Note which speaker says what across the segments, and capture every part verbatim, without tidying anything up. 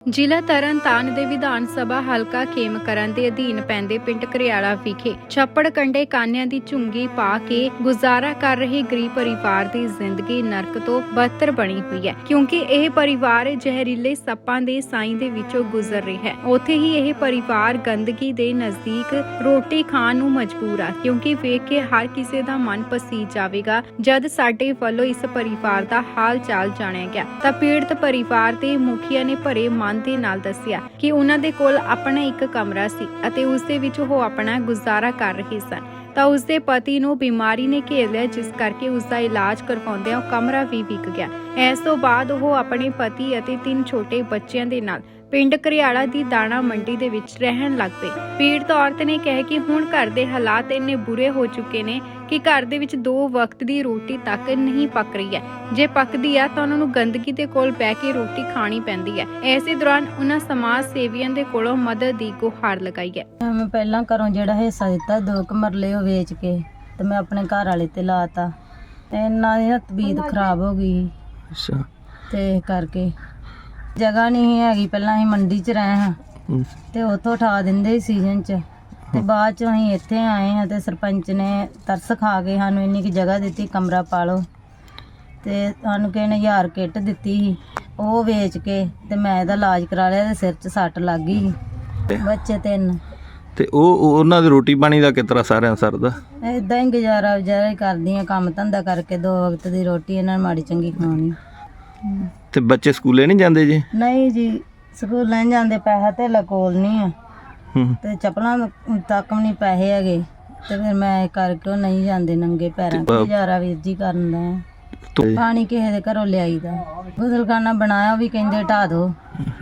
Speaker 1: ਜ਼ਿਲ੍ਹਾ ਤਰਨਤਾਰਨ ਦੇ ਵਿਧਾਨ ਸਭਾ ਹਲਕਾ ਖੇਮਕਰਨ ਦੇ ਅਧੀਨ ਪੈਂਦੇ ਪਿੰਡ ਘਰਿਆਲਾ ਵਿਖੇ ਛੱਪੜ ਕੰਢੇ ਕਾਨਿਆਂ ਦੀ ਝੁੰਗੀ ਪਾ ਕੇ ਗੁਜ਼ਾਰਾ ਕਰ ਰਹੇ ਗਰੀਬ ਪਰਿਵਾਰ ਦੀ ਜ਼ਿੰਦਗੀ ਨਰਕ ਤੋਂ ਬਦਤਰ ਬਣੀ ਹੋਈ ਹੈ, ਕਿਉਂਕਿ ਇਹ ਪਰਿਵਾਰ ਜ਼ਹਿਰੀਲੇ ਸੱਪਾਂ ਦੇ ਸਾਈਂ ਦੇ ਵਿੱਚੋਂ ਗੁਜ਼ਰ ਰਿਹਾ ਹੈ। ਉੱਥੇ ਹੀ ਇਹ ਪਰਿਵਾਰ ਗੰਦਗੀ ਦੇ ਨਜ਼ਦੀਕ ਰੋਟੀ ਖਾਣ ਨੂੰ ਮਜਬੂਰ ਆ, ਕਿਉਂਕਿ ਵੇਖ ਕੇ ਹਰ ਕਿਸੇ ਦਾ ਮਨ ਪਸੀਜ ਜਾਵੇਗਾ। ਜਦ ਸਾਡੇ ਵੱਲੋਂ ਇਸ ਪਰਿਵਾਰ ਦਾ ਹਾਲ ਚਾਲ ਜਾਣਿਆ ਗਿਆ ਤਾਂ ਪੀੜਤ ਪਰਿਵਾਰ ਦੇ ਮੁਖੀਆ ਨੇ ਭਰੇ ਮਨ ਦੇ ਨਾਲ ਦੱਸਿਆ ਕਿ ਉਹਨਾਂ ਦੇ ਕੋਲ ਆਪਣਾ ਇੱਕ ਕਮਰਾ ਸੀ ਅਤੇ ਉਸ ਦੇ ਵਿੱਚ ਉਹ ਆਪਣਾ ਗੁਜ਼ਾਰਾ ਕਰ ਰਹੇ ਸਨ ਤਾਂ ਉਸ ਦੇ ਪਤੀ ਨੂੰ ਬਿਮਾਰੀ ਨੇ ਘੇਰ ਲਿਆ, ਜਿਸ ਕਰਕੇ ਉਸ ਦਾ ਇਲਾਜ ਕਰਵਾਉਂਦਿਆਂ ਉਹ ਕਮਰਾ ਵੀ ਵਿਕ ਗਿਆ। ਇਸ ਤੋਂ ਬਾਅਦ ਉਹ ਆਪਣੇ ਪਤੀ ਅਤੇ ਤਿੰਨ ਛੋਟੇ ਬੱਚਿਆਂ ਦੇ ਨਾਲ ਪਿੰਡ ਘਰਿਆਲਾ ਦੀ ਦਾਣਾ ਮੰਡੀ ਦੇ ਵਿੱਚ ਰਹਿਣ ਲੱਗ ਪਏ। ਪੀੜਤ ਔਰਤ ਨੇ ਕਿਹਾ ਕਿ ਹੁਣ ਘਰ ਦੇ ਹਾਲਾਤ ਇੰਨੇ ਬੁਰੇ ਹੋ ਚੁੱਕੇ ਨੇ ਕਿ ਘਰ ਦੇ ਵਿੱਚ ਦੋ ਵਕਤ ਦੀ ਰੋਟੀ ਤੱਕ ਨਹੀਂ ਪੱਕ ਰਹੀ ਹੈ। ਜੇ ਪੱਕਦੀ ਆ ਤਾਂ ਉਹਨਾਂ ਨੂੰ ਗੰਦਗੀ ਦੇ ਕੋਲ ਬਹਿ ਕੇ ਰੋਟੀ ਖਾਣੀ ਪੈਂਦੀ ਹੈ। ਐਸੇ ਦੌਰਾਨ ਉਹਨਾਂ ਸਮਾਜ ਸੇਵੀਆਂ ਦੇ ਕੋਲੋਂ ਮਦਦ ਦੀ ਗੁਹਾਰ ਲਗਾਈ ਹੈ।
Speaker 2: ਮੈਂ ਪਹਿਲਾਂ ਘਰੋਂ ਜਿਹੜਾ ਹਿੱਸਾ ਦਿੱਤਾ ਦੋ ਕੁ ਮਰਲੇ ਉਹ ਵੇਚ ਕੇ ਤੇ ਮੈਂ ਆਪਣੇ ਘਰ ਵਾਲੇ ਤੇ ਲਾਤਾ ਤੇ ਇਹਨਾਂ ਦੀ ਤਬੀਅਤ ਖਰਾਬ ਹੋ ਗਈ।
Speaker 3: ਅੱਛਾ।
Speaker 2: ਤੇ ਇਸ ਕਰਕੇ ਜਗ੍ਹਾ ਨਹੀਂ ਹੈਗੀ। ਪਹਿਲਾਂ ਅਸੀਂ ਮੰਡੀ 'ਚ ਰਹੇ ਹਾਂ ਤੇ ਉੱਥੋਂ ਉਠਾ ਦਿੰਦੇ ਸੀ ਸੀਜ਼ਨ 'ਚ, ਤੇ ਬਾਅਦ 'ਚ ਅਸੀਂ ਇੱਥੇ ਆਏ ਹਾਂ ਤੇ ਸਰਪੰਚ ਨੇ ਤਰਸ ਖਾ ਕੇ ਸਾਨੂੰ ਇੰਨੀ ਕੁ ਜਗ੍ਹਾ ਦਿੱਤੀ, ਕਮਰਾ ਪਾ ਲਓ, ਤੇ ਸਾਨੂੰ ਕਿਸੇ ਨੇ ਹਜ਼ਾਰ ਕਿੱਟ ਦਿੱਤੀ ਸੀ, ਉਹ ਵੇਚ ਕੇ ਤੇ ਮੈਂ ਇਹਦਾ ਇਲਾਜ ਕਰਾ ਲਿਆ ਤੇ ਸਿਰ 'ਚ ਸੱਟ ਲੱਗ ਗਈ। ਬੱਚੇ ਤਿੰਨ
Speaker 3: ਤੇ ਉਹ ਉਹਨਾਂ ਦੀ ਰੋਟੀ ਪਾਣੀ ਦਾ ਕਿਸ ਤਰ੍ਹਾਂ ਸਾਰਿਆਂ ਸਰਦਾ?
Speaker 2: ਏਦਾਂ ਹੀ ਗੁਜ਼ਾਰਾ ਗੁਜ਼ਾਰਾ ਹੀ ਕਰਦੀ ਹਾਂ, ਕੰਮ ਧੰਦਾ ਕਰਕੇ ਦੋ ਵਕਤ ਦੀ ਰੋਟੀ ਇਹਨਾਂ ਨੂੰ ਮਾੜੀ ਚੰਗੀ ਖਵਾਉਣੀ।
Speaker 3: ਤੇ ਬੱਚੇ ਸਕੂਲੇ ਨਹੀਂ ਜਾਂਦੇ ਜੀ?
Speaker 2: ਨਹੀਂ ਜੀ, ਸਕੂਲ ਨਹੀਂ ਜਾਂਦੇ, ਪੈਸਾ ਧੇਲਾ ਕੋਲ ਨਹੀਂ ਆ
Speaker 3: ਹੂੰ।
Speaker 2: ਤੇ ਚੱਪਲਾਂ ਤੱਕ ਵੀ ਨਹੀਂ ਪੈਸੇ ਹੈਗੇ, ਤੇ ਫਿਰ ਮੈਂ ਕਰਕੇ ਉਹ ਨਹੀਂ ਜਾਂਦੇ ਨੰਗੇ ਪੈਰਾਂ ਤੇ ਗੁਜ਼ਾਰਾ ਵੀਰ ਜੀ ਕਰਨ ਦਾ। ਪਾਣੀ ਕਿਸੇ ਦੇ ਘਰੋਂ ਲਿਆਈਦਾ, ਗੁਸਲਖਾਨਾ ਬਣਾਇਆ ਉਹ ਵੀ ਕਹਿੰਦੇ ਢਾ ਦਿਓ।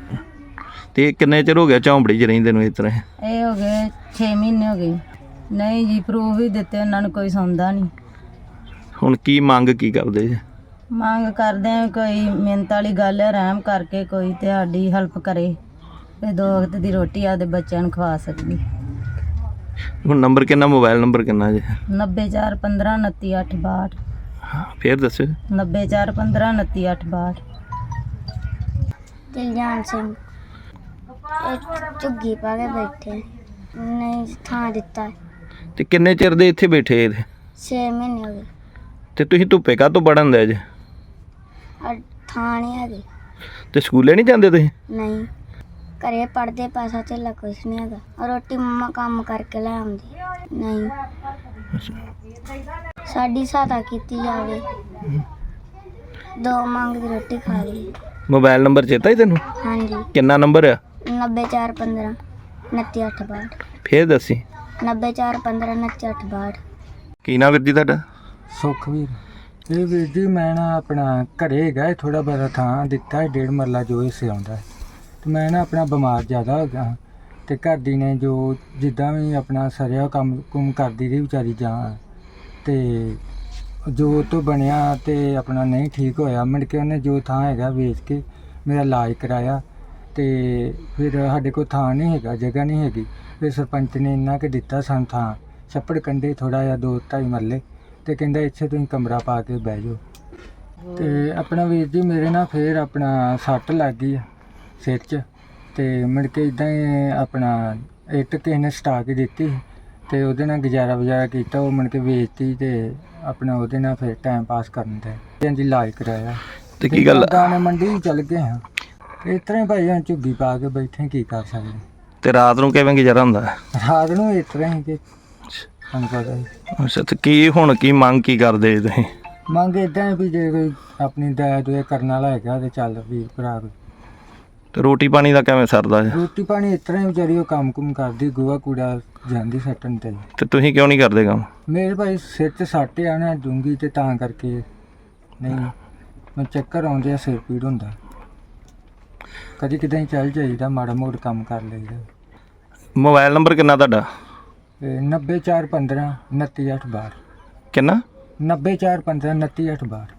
Speaker 3: ਤੇ ਕਿੰਨੇ ਚਿਰ ਹੋ ਗਿਆ ਝੌਂਪੜੀ 'ਚ ਰਹਿੰਦੇ ਨੂੰ ਇਸ ਤਰ੍ਹਾਂ?
Speaker 2: ਇਹ ਹੋ ਗਏ ਛੇ ਮਹੀਨੇ ਹੋ ਗਏ। ਨਹੀਂ ਜੀ, ਪ੍ਰੂਫ ਵੀ ਦਿੱਤੇ ਉਹਨਾਂ ਨੂੰ, ਕੋਈ ਸੁਣਦਾ ਨਹੀਂ।
Speaker 3: ਹੁਣ ਕੀ ਮੰਗ ਕੀ ਕਰਦੇ ਜੀ?
Speaker 2: ਮੰਗ ਕਰਦੇ ਆ ਕੋਈ ਮਿਹਨਤ ਵਾਲੀ ਗੱਲ ਹੈ, ਰਹਿਮ ਕਰਕੇ ਕੋਈ ਤੇ ਸਾਡੀ ਹੈਲਪ ਕਰੇ ਤੇ ਦੋ ਵਕਤ ਦੀ ਰੋਟੀ ਆਪਦੇ ਬੱਚਿਆਂ ਨੂੰ ਖਵਾ ਸਕਦੀ।
Speaker 3: ਹੁਣ ਨੰਬਰ ਕਿੰਨਾ, ਮੋਬਾਈਲ ਨੰਬਰ ਕਿੰਨਾ ਜੀ?
Speaker 2: ਨੱਬੇ ਚਾਰ ਪੰਦਰਾਂ ਉਨੱਤੀ ਅੱਠ ਬਾਹਠ।
Speaker 3: ਫੇਰ ਦੱਸਿਓ।
Speaker 2: ਨੱਬੇ ਚਾਰ ਪੰਦਰਾਂ ਉਨੱਤੀ ਅੱਠ ਬਾਹਠ।
Speaker 4: ਦਿਲਜਾਨ ਸਿੰਘ ਝੁੱਗੀ ਪਾ ਕੇ ਬੈਠੇ, ਨਹੀਂ ਥਾਂ ਦਿੱਤਾ।
Speaker 3: ਤੇ ਕਿੰਨੇ ਚਿਰ ਦੇ ਇੱਥੇ ਬੈਠੇ ਇਹਦੇ?
Speaker 4: ਛੇ ਮਹੀਨੇ ਹੋ ਗਏ।
Speaker 3: ਤੇ ਤੁਸੀਂ ਧੁੱਪੇ ਕਾਹਤੋਂ ਪੜਨ ਦੇ ਜੇ?
Speaker 4: ਥਾਂ ਨਹੀਂ ਹੈਗੀ।
Speaker 3: ਤੇ ਸਕੂਲੇ ਨਹੀਂ ਜਾਂਦੇ ਤੁਸੀਂ?
Speaker 4: ਨਹੀਂ, ਘਰੇ ਪੜਦੇ, ਪੈਸਾ ਧੇਲਾ ਕੁਛ ਨਹੀਂ ਹੈਗਾ। ਰੋਟੀ ਮੰਮਾ ਕੰਮ ਕਰਕੇ ਲੈ ਆਉਂਦੀ। ਨਹੀਂ, ਸਾਡੀ ਸਹਾਇਤਾ ਕੀਤੀ ਜਾਵੇ, ਦੋ ਮੰਗ ਦੀ ਰੋਟੀ ਖਾ ਲਈ।
Speaker 3: ਮੋਬਾਈਲ ਨੰਬਰ ਚੇਤਾ ਹੀ ਤੈਨੂੰ?
Speaker 4: ਹਾਂਜੀ।
Speaker 3: ਕਿੰਨਾ ਨੰਬਰ ਆ?
Speaker 4: ਨੱਬੇ ਚਾਰ ਪੰਦਰਾਂ ਉਨੱਤੀ ਅੱਠ ਬਾਹਠ।
Speaker 3: ਫੇਰ ਦੱਸੀ।
Speaker 4: ਨੱਬੇ ਚਾਰ ਪੰਦਰਾਂ ਉਨੱਤੀ ਅੱਠ ਬਾਹਠ।
Speaker 3: ਕੀ ਨਾਮ ਵੀਰ ਜੀ ਤੁਹਾਡਾ?
Speaker 5: ਸੁਖਵੀਰ। ਇਹ ਵੀਰ ਜੀ ਮੈਂ ਨਾ ਆਪਣਾ ਘਰੇ ਹੈਗਾ ਥੋੜ੍ਹਾ ਬਹੁਤਾ ਥਾਂ ਦਿੱਤਾ ਹੈ, ਡੇਢ ਮਰਲਾ ਜੋ ਹਿੱਸੇ ਆਉਂਦਾ ਹੈ। ਅਤੇ ਮੈਂ ਨਾ ਆਪਣਾ ਬਿਮਾਰ ਜ਼ਿਆਦਾ ਹੋ ਗਿਆ ਅਤੇ ਘਰ ਦੀ ਨੇ ਜੋ ਜਿੱਦਾਂ ਵੀ ਆਪਣਾ ਸਰਿਆ ਕੰਮ ਕੁਮ ਕਰਦੀ ਰਹੀ ਵਿਚਾਰੀ ਜਾਂ, ਅਤੇ ਜੋ ਉਹ ਤੋਂ ਬਣਿਆ ਅਤੇ ਆਪਣਾ ਨਹੀਂ ਠੀਕ ਹੋਇਆ, ਮੁੜ ਕੇ ਉਹਨੇ ਜੋ ਥਾਂ ਹੈਗਾ ਵੇਚ ਕੇ ਮੇਰਾ ਇਲਾਜ ਕਰਾਇਆ। ਅਤੇ ਫਿਰ ਸਾਡੇ ਕੋਲ ਥਾਂ ਨਹੀਂ ਹੈਗਾ, ਜਗ੍ਹਾ ਨਹੀਂ ਹੈਗੀ, ਫਿਰ ਸਰਪੰਚ ਨੇ ਇੰਨਾ ਕੁ ਦਿੱਤਾ ਸਾਨੂੰ ਥਾਂ, ਛੱਪੜ ਕੰਢੇ ਥੋੜ੍ਹਾ ਜਿਹਾ ਦੋ ਢਾਈ ਮਰਲੇ, ਅਤੇ ਕਹਿੰਦਾ ਇੱਥੇ ਤੁਸੀਂ ਕਮਰਾ ਪਾ ਕੇ ਬਹਿ ਜਾਓ। ਅਤੇ ਆਪਣਾ ਵੀਰ ਜੀ ਮੇਰੇ ਨਾਲ ਫਿਰ ਆਪਣਾ ਸੱਟ ਲੱਗ ਗਈ ਸਿਰ 'ਚ, ਅਤੇ ਮੁੜ ਕੇ ਇੱਦਾਂ ਹੀ ਆਪਣਾ ਇੱਟ ਕਿਸੇ ਨੇ ਸਟਾ ਕੇ ਦਿੱਤੀ ਅਤੇ ਉਹਦੇ ਨਾਲ ਗੁਜ਼ਾਰਾ ਵਜ਼ਾਰਾ ਕੀਤਾ। ਉਹ ਮੁੜ ਕੇ ਵੇਚਤੀ ਅਤੇ ਆਪਣਾ ਉਹਦੇ ਨਾਲ ਫਿਰ ਟਾਈਮ ਪਾਸ ਕਰਨ ਦਾ ਹਾਂਜੀ ਇਲਾਜ ਕਰਾਇਆ।
Speaker 3: ਤੇ ਕੀ ਗੱਲ?
Speaker 5: ਦਾਣੇ ਮੰਡੀ ਚੱਲ ਗਏ ਹਾਂ, ਇਸ ਤਰ੍ਹਾਂ ਹੀ ਭਾਈ ਹੁਣ ਝੁੱਗੀ ਪਾ ਕੇ ਬੈਠੇ, ਕੀ ਕਰ ਸਕਦੇ।
Speaker 3: ਤੇ ਰਾਤ ਨੂੰ ਕਿਵੇਂ ਗੁਜ਼ਾਰਾ ਹੁੰਦਾ?
Speaker 5: ਰਾਤ ਨੂੰ ਇਸ ਤਰ੍ਹਾਂ ਹੀ ਕਿ ਤੁਹਾਨੂੰ ਪਤਾ ਹੀ।
Speaker 3: ਅੱਛਾ। ਤੇ ਕੀ ਹੁਣ ਕੀ ਮੰਗ ਕੀ ਕਰਦੇ ਜੀ ਤੁਸੀਂ?
Speaker 5: ਮੰਗ ਇੱਦਾਂ ਵੀ ਜੇ ਕੋਈ ਆਪਣੀ ਦਇਆ ਦੁਆ ਕਰਨ ਵਾਲਾ ਹੈਗਾ ਤੇ ਚੱਲ ਵੀਰ ਭਰਾ ਕੋਈ।
Speaker 3: ਤੇ ਰੋਟੀ ਪਾਣੀ ਦਾ ਕਿਵੇਂ ਸਰਦਾ ਜੀ?
Speaker 5: ਰੋਟੀ ਪਾਣੀ ਇਸ ਤਰ੍ਹਾਂ ਹੀ ਵਿਚਾਰੀ ਉਹ ਕੰਮ ਕੁਮ ਕਰਦੀ, ਗੋਹਾ ਕੂੜਾ ਜਾਂਦੀ ਸੱਟਣ ਤੇ।
Speaker 3: ਤੇ ਤੁਸੀਂ ਕਿਉਂ ਨਹੀਂ ਕਰਦੇ ਕੰਮ?
Speaker 5: ਮੇਰੇ ਭਾਈ ਸਿਰ 'ਚ ਸੱਟ ਆ ਨਾ ਡੂੰਘੀ, ਤੇ ਤਾਂ ਕਰਕੇ ਨਹੀਂ, ਮੈਂ ਚੱਕਰ ਆਉਂਦੇ ਆ, ਸਿਰ ਪੀੜ ਹੁੰਦਾ, ਕਦੀ ਕਿਤੇ ਚੱਲ ਜਾਈਦਾ, ਮਾੜਾ ਮੋੜ ਕੰਮ ਕਰ ਲਈਦਾ।
Speaker 3: ਮੋਬਾਈਲ ਨੰਬਰ ਕਿੰਨਾ ਤੁਹਾਡਾ?
Speaker 5: ਨੱਬੇ ਚਾਰ ਪੰਦਰਾਂ ਉਨੱਤੀ ਅੱਠ ਬਾਹਠ।
Speaker 3: ਕਿੰਨਾ?
Speaker 5: ਨੱਬੇ ਚਾਰ ਪੰਦਰਾਂ ਉਨੱਤੀ ਅੱਠ ਬਾਹਠ।